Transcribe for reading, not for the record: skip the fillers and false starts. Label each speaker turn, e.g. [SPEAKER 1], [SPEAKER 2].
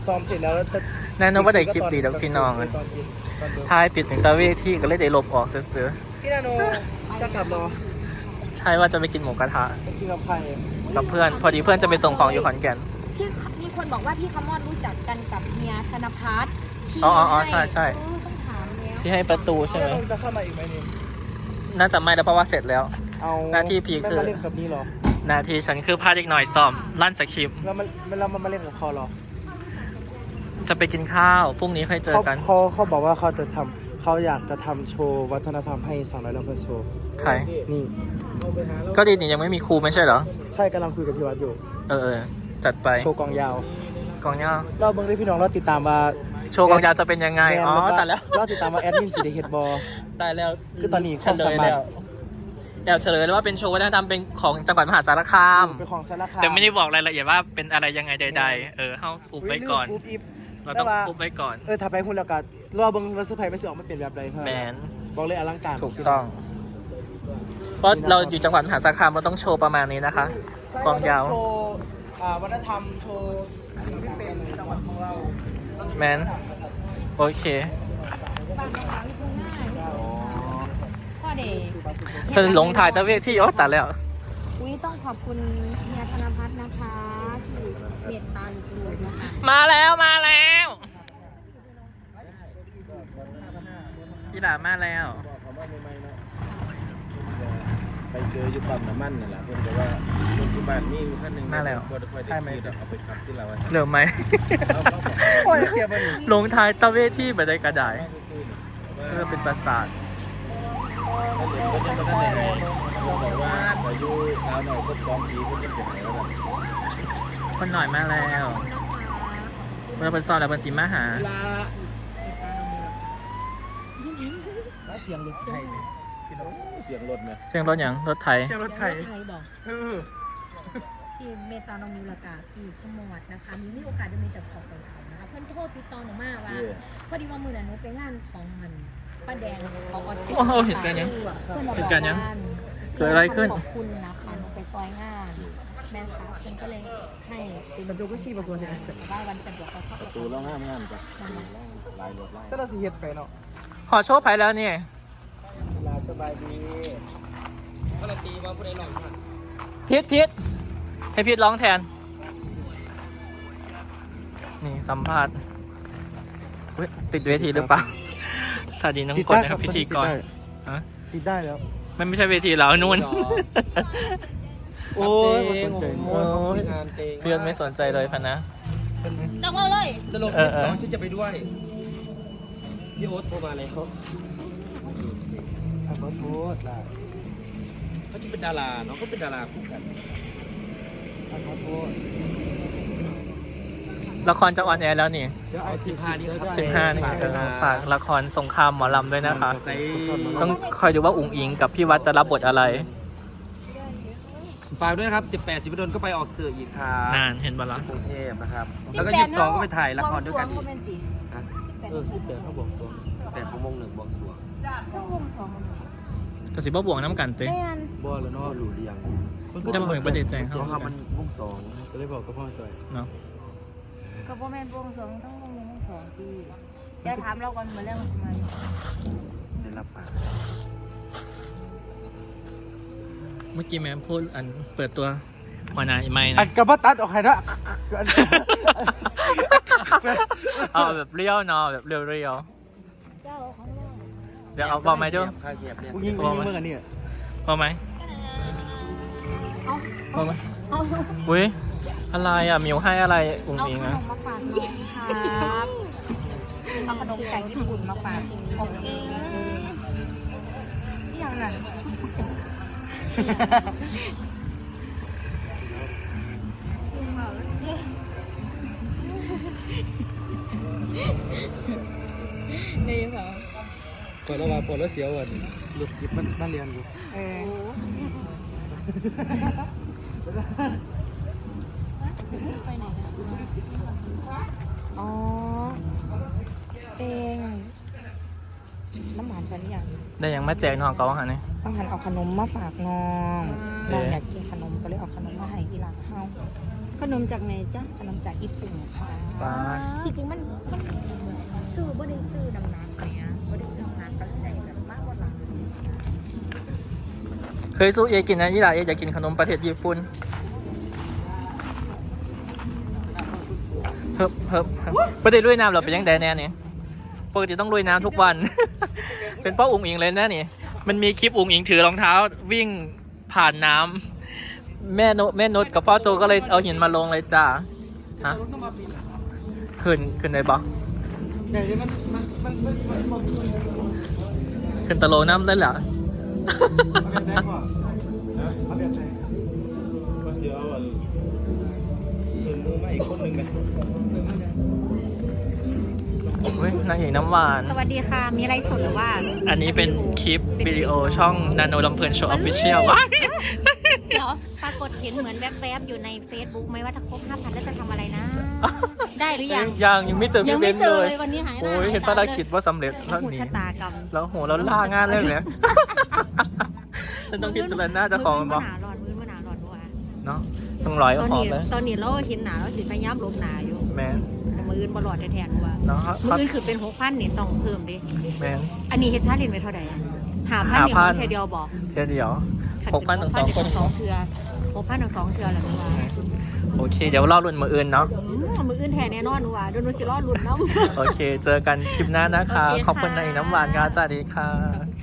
[SPEAKER 1] ซ้อมเสร็จแล้วจะ
[SPEAKER 2] แน่นอนว่าได้คลิปดีแล้วพี่น้องท้ายติดถึงตะเวที่ก็เลยได้ลบออกเสือ
[SPEAKER 1] พี่นาโนจะกลับรอ
[SPEAKER 2] ใช่ว่าจะไปกินหมูกระทะ
[SPEAKER 1] ไปกินกับใคร
[SPEAKER 2] กับเพื่อนพอดีเพื่อนจะไปส่งของอยู่ขอนแก่น
[SPEAKER 3] พี่มีคนบอกว่าพี่คำมอดรู้จักกันกับเฮียธนพัฒน์ที่
[SPEAKER 2] อ๋อใช่
[SPEAKER 3] ต้องถามแล้ว
[SPEAKER 2] ที่ให้ประตูใช่ไหม
[SPEAKER 1] จะเข้ามาอีกไหมนี่
[SPEAKER 2] น่าจะไม่แล้วเพราะว่าเสร็จแล้ว
[SPEAKER 1] เอา
[SPEAKER 2] หน้าที่พี่คือ
[SPEAKER 1] ไม่มาเล่นกับนี่หรอ
[SPEAKER 2] นาทีฉันคือพาเด็กหน่อยซ้อมลั่นสคริปต์
[SPEAKER 1] เรามาเล่นกับเขาหรอ
[SPEAKER 2] จะไปกินข้าวพรุ่งนี้ค่อยเจอกัน
[SPEAKER 1] เขาบอกว่าเขาอยากจะทำโชว์วัฒนธรรมให้สาวน้อยลำเพลินโชว์
[SPEAKER 2] ใคร
[SPEAKER 1] นี่
[SPEAKER 2] ก็ดีนี่ยังไม่มีครูไม่ใช่เหรอ
[SPEAKER 1] ใช่กำลังคุยกับพี่วัดอยู่
[SPEAKER 2] เออจัดไป
[SPEAKER 1] โชว์กองยาว
[SPEAKER 2] กองยาว
[SPEAKER 1] เราเบิ่งได้พี่น้องเราติดตามว่า
[SPEAKER 2] โชว์กองยาวจะเป็นยังไงอ๋อแต่แล้ว
[SPEAKER 1] เราติดตามว่าแอดมินสีเดเฮดบอ
[SPEAKER 2] ตายแล้ว
[SPEAKER 1] คือตอนนี้
[SPEAKER 2] เฉ
[SPEAKER 1] ความ
[SPEAKER 2] ล
[SPEAKER 1] สาย มารถ
[SPEAKER 2] แล้วแอบเฉลยแล้วว่าเป็นโชว์วัฒนธรรมเป็นของจังหวัดมหาสารคาม
[SPEAKER 1] เป็นของสารคาม
[SPEAKER 2] แต่ไม่ได้บอกรายละเอียดว่าเป็นอะไรยังไงใดๆเฮ้าอุบไว้ก่อน
[SPEAKER 1] อุ๊ยลืม
[SPEAKER 2] เราต้องอุบไว้ก่อน
[SPEAKER 1] ถ้าไปหุ้นแล้วก็รอเบิ่งว่าเซอร์ไพรส์ไม่สิออกมาเป็นแบบใดเท่า
[SPEAKER 2] แม
[SPEAKER 1] นั้น
[SPEAKER 2] น
[SPEAKER 1] บอกเลยอลังการ
[SPEAKER 2] ถูกต้อง เพราะเราอยู่จังหวัดมหาสารคามเราต้องโชว์ประมาณนี้นะคะ
[SPEAKER 1] ใช่
[SPEAKER 2] กองยาว
[SPEAKER 1] โชว์วัฒนธรรมโชว์สิ่งที่เป็นจังหวัดของเรา
[SPEAKER 2] แมนโอเค
[SPEAKER 3] บ้านในร้านที่ทุ่งหน้าพ่อเด็ก
[SPEAKER 2] ฉันหลงถ่ายตะเวที่โอ้ตัดแล้ว
[SPEAKER 3] อุ้ยต้องขอบคุณเฮียธนพัฒน์นะคะที่เมตตาลูกๆนะคะ
[SPEAKER 2] มาแล้วพี่หลามาแล้ว
[SPEAKER 4] ไปเจออยู่ปั๊มน้ำมันนั่นแหละเพื่อนบอกว่าคนที่บ้านมีขั้นหนึ่ง
[SPEAKER 2] มาแล้ว
[SPEAKER 4] ก็ค่อยได้ขี่เอาไปขับที่เรา
[SPEAKER 2] เหลือไหม
[SPEAKER 1] โอ้ยเสียบนี่
[SPEAKER 2] ลงท้ายตะเวที่ไปได้กระไดเพื่อเป็นประสาท
[SPEAKER 4] ก็ยังไม่ได้ไหนบอกว่าอายุสาวหน่อยครบ2 ปีก็ยังเป็นไหนแล้ว
[SPEAKER 2] คนหน่อยมาแล้วเมื่อเป็นซอนแล้วเป็นสีมาหา
[SPEAKER 1] เสียงรถไทย
[SPEAKER 4] เสียงรถไหม
[SPEAKER 2] เสียงรถอย่างรถไถ
[SPEAKER 1] เสียงรถไทย
[SPEAKER 3] ไทยบอก ที่เมตตาน้องมิวลากาที่ขมวดนะคะมีโอกาสได้มีจากขอบไปแล้วนะคะเพื่อนโทษติดต่อหนูมาว่าพอดีว่ามือนั้นหนูไปงานของมันป้าแดงเขาก็
[SPEAKER 2] โอ้โหเห็นกันยัง
[SPEAKER 3] เพื่อนบอก
[SPEAKER 2] เห็นกันยัง
[SPEAKER 3] ว่า
[SPEAKER 2] เกิดอะไรขึ้น
[SPEAKER 3] ขอบคุณนะคะหนูไปซอยงานแม่ค่ะเพื่อนก็เลยให้เป็นประตูก็ขี่ประตูเนี่ยว่าวันสะดวกเขาชอบ
[SPEAKER 4] ประตูร้องห้ามจ้ะลายรถไล่
[SPEAKER 1] ก็เราสิเฮ็ดไปเนาะ
[SPEAKER 2] ขอโชว์ไผ่แล้วนี่
[SPEAKER 1] ลาสบายดี
[SPEAKER 2] พีทให้พีทร้องแทน นี่สัมภาษณ์อุ๊ยติดเวทีหรือเปล่าสวัสดีน้องกดนะครับพิธีกรฮะ
[SPEAKER 1] ติดได้แล้ว
[SPEAKER 2] มันไม่ใช่เวทีเรานู่น โอ้ย
[SPEAKER 1] ไม่สนใจ
[SPEAKER 2] โอ้ยเพื่อนไม่สนใจเลยพันนะ
[SPEAKER 3] ต้องเอาเลย
[SPEAKER 4] สรุป2ฉันจะไปด้วยพี่โอ๊ตโทรมาเลยเขา
[SPEAKER 1] ขอโทษล่ะ
[SPEAKER 4] เขาจะเป็นดาราเนาะเขาเป็นดาราคู่กัน
[SPEAKER 1] ขอโทษ
[SPEAKER 2] ละครจะออนแอร์แล้วนี่
[SPEAKER 1] เดี๋ยวเอา15นี้ครับ
[SPEAKER 2] 15นี่ฝากละครสงครามหมอลำด้วยนะคะ ต้องคอยดูว่าอุ๋งอิงกับพี่วัดจะรับบทอะไร
[SPEAKER 4] ฝากด้วยนะครับ18 สิบดลก็ไปออกสื่ออีกครับ
[SPEAKER 2] นานเห็นบ้างล่ะ
[SPEAKER 4] กรุงเทพนะครับแล้วก็22ก็ไปถ่ายละครด้วยกันอีกฮะ18เขาบอกตัว8ของวง1บอกสวง
[SPEAKER 2] กระสิบบ่บวงน้ำกันเต้
[SPEAKER 4] บ่แล้วเนาะรู้เรียง
[SPEAKER 2] จะมาเผยประเด็นแจ้งเขา
[SPEAKER 4] เพราะว่ามันวง2ก็เลยบอกกับพ่อจอย
[SPEAKER 2] เนาะ
[SPEAKER 3] ก็พ่อแม่บวงสรวงต้องบวงสรวงที่จะถามเราก่อนมาเรื่องทำไม
[SPEAKER 4] ได้รับปาก
[SPEAKER 2] เมื่อกี้แม่พูดอันเปิดตัวหัวหน้าไม่
[SPEAKER 1] อั
[SPEAKER 2] นะ
[SPEAKER 1] นกระบะตัดออกให้ละ
[SPEAKER 2] เอาแบบเรียวเนาะแบบเรียว
[SPEAKER 3] เจ้าของเรา
[SPEAKER 2] เดี๋ยวเอาบอกไหมดู
[SPEAKER 4] ค่าเก็บเนี่ย
[SPEAKER 1] กูยิงเมื่อกันนี่
[SPEAKER 2] บอกไหมบอกไหมอุ้ยอะไรอ่ะมิวให้อะไรอุ๋ง
[SPEAKER 3] เอา
[SPEAKER 2] อิง
[SPEAKER 3] ขน
[SPEAKER 2] อ่ะ
[SPEAKER 3] มมาฝากน้องครับเอาขนมจากญี่ปุ่นมาฝากผมเองที่อย่างนั้นนี่เหรอ
[SPEAKER 4] ปวดแล้วว่าปวดแล้วเสียวอ่ะ
[SPEAKER 1] หลุดจิบมันเรียนอยู่
[SPEAKER 3] ไปไหนอ๋อเองน้ำหวานกันหรือยัง
[SPEAKER 2] ได้ยังมาแจกน้องเขาหาเนี่ย
[SPEAKER 3] ต้องหันเอาขนมมาฝากน้องน้องอยากกินขนมก็เลยเอาขนมมาให้อีหลังเฮาขนมจากไหนจ๊ะขนมจากญี่ปุ่นค่ะ
[SPEAKER 2] ว้า
[SPEAKER 3] ที่จริงมันซื้อบ่ได้ซื้อน้ำหนักเนี่ยบ่ได้ซื้อน้ำหนักก็ได้แบบมากกว่าหลัง
[SPEAKER 2] เคยสู้เอกินนะยี่หล่าเออยากกินขนมประเทศญี่ปุ่นเฮิบประเดี๋ยวลุยน้ำเราเป็นยังไงแน่เนี่ยปกติต้องลุยน้ำทุกวัน เป็นเป้าอุ๋งอิงเลยนะนี่มันมีคลิปอุ๋งอิงถือรองเท้าวิ่งผ่านน้ำแม่นุชกับพ่อโจก็เลยเอาหินมาลงเลยจ้าฮะขึ้นได้ปะขึ้นตะโลน้ำได้เหรอ
[SPEAKER 1] เอาแบบไหนก็จะเอาถึงมือมาอีกคนหนึ่งไหม
[SPEAKER 2] เฮ้ยนางเอกน้ำหวาน
[SPEAKER 3] สวัสดีค่ะมีอะไรสดหรือว่า
[SPEAKER 2] อันนี้เป็นคลิปวิดีโอช่องนาโนลำเพลินโชว์ออฟฟิเชียลว้าย
[SPEAKER 3] เดี๋ยวปรากฏเห็นเหมือนแวบๆอยู่ใน Facebook ไหมว่าถ้าครบ 5,000 แล้วจะทำอะไรนะ ได้หรือยัง
[SPEAKER 2] ยังไม่เจอ
[SPEAKER 3] ยั
[SPEAKER 2] พี่
[SPEAKER 3] ง
[SPEAKER 2] เบ
[SPEAKER 3] ไม่
[SPEAKER 2] น
[SPEAKER 3] เจ
[SPEAKER 2] เล
[SPEAKER 3] อย เลยวันนี้หายหน้า
[SPEAKER 2] โอ้ย
[SPEAKER 3] หายตา
[SPEAKER 2] เห็นภารกิจว่าสำเร็จ
[SPEAKER 3] โอ้
[SPEAKER 2] แล้ว
[SPEAKER 3] โห
[SPEAKER 2] หนี
[SPEAKER 3] ชะตากรรม
[SPEAKER 2] แล้วโหเราล่างานเลยเนี่ยฉันต้องคิดจุลน่าจะของมัน
[SPEAKER 3] มื
[SPEAKER 2] บ
[SPEAKER 3] อ
[SPEAKER 2] อก
[SPEAKER 3] หนาหลอนมือหนาหลอนว่ะ
[SPEAKER 2] เนาะต้องร้อยก็
[SPEAKER 3] ตอน
[SPEAKER 2] พอ
[SPEAKER 3] นี้
[SPEAKER 2] เลย
[SPEAKER 3] ตอนนี้เราเห็นหนาเราสิพยายามลบหนาอยู่
[SPEAKER 2] แมน
[SPEAKER 3] แต่มืออื่นบ่หลอดแทนว่า
[SPEAKER 2] เนาะ
[SPEAKER 3] มืออื่นคือเป็น6,000นี่ต้องเพิ่มดิ
[SPEAKER 2] แมน
[SPEAKER 3] อันนี้เฮ็ดชาเลนจ์ไว้เท่าไหร่5,000นี่มันแค่เดียวบอก
[SPEAKER 2] เที่ยวเดียว6,000 ถึง 2 คน
[SPEAKER 3] 6,000 เทื่อ6,000 ถึง 2 เทื่อแหละว่า
[SPEAKER 2] โอเค เดี๋ยวรอรุ่นมืออื่นเนาะ
[SPEAKER 3] มืออื่นแทนแน่นอนว่าเดี๋ยวหนูสิรอลุ้นน้ำ
[SPEAKER 2] โอเค เจอกันคลิปหน้านะคะ
[SPEAKER 3] โอเคค่ะ
[SPEAKER 2] ขอบคุณนางเอกน้ำหวานค่ะสวัสดีค่ะ
[SPEAKER 3] ขอบคุณค่ะ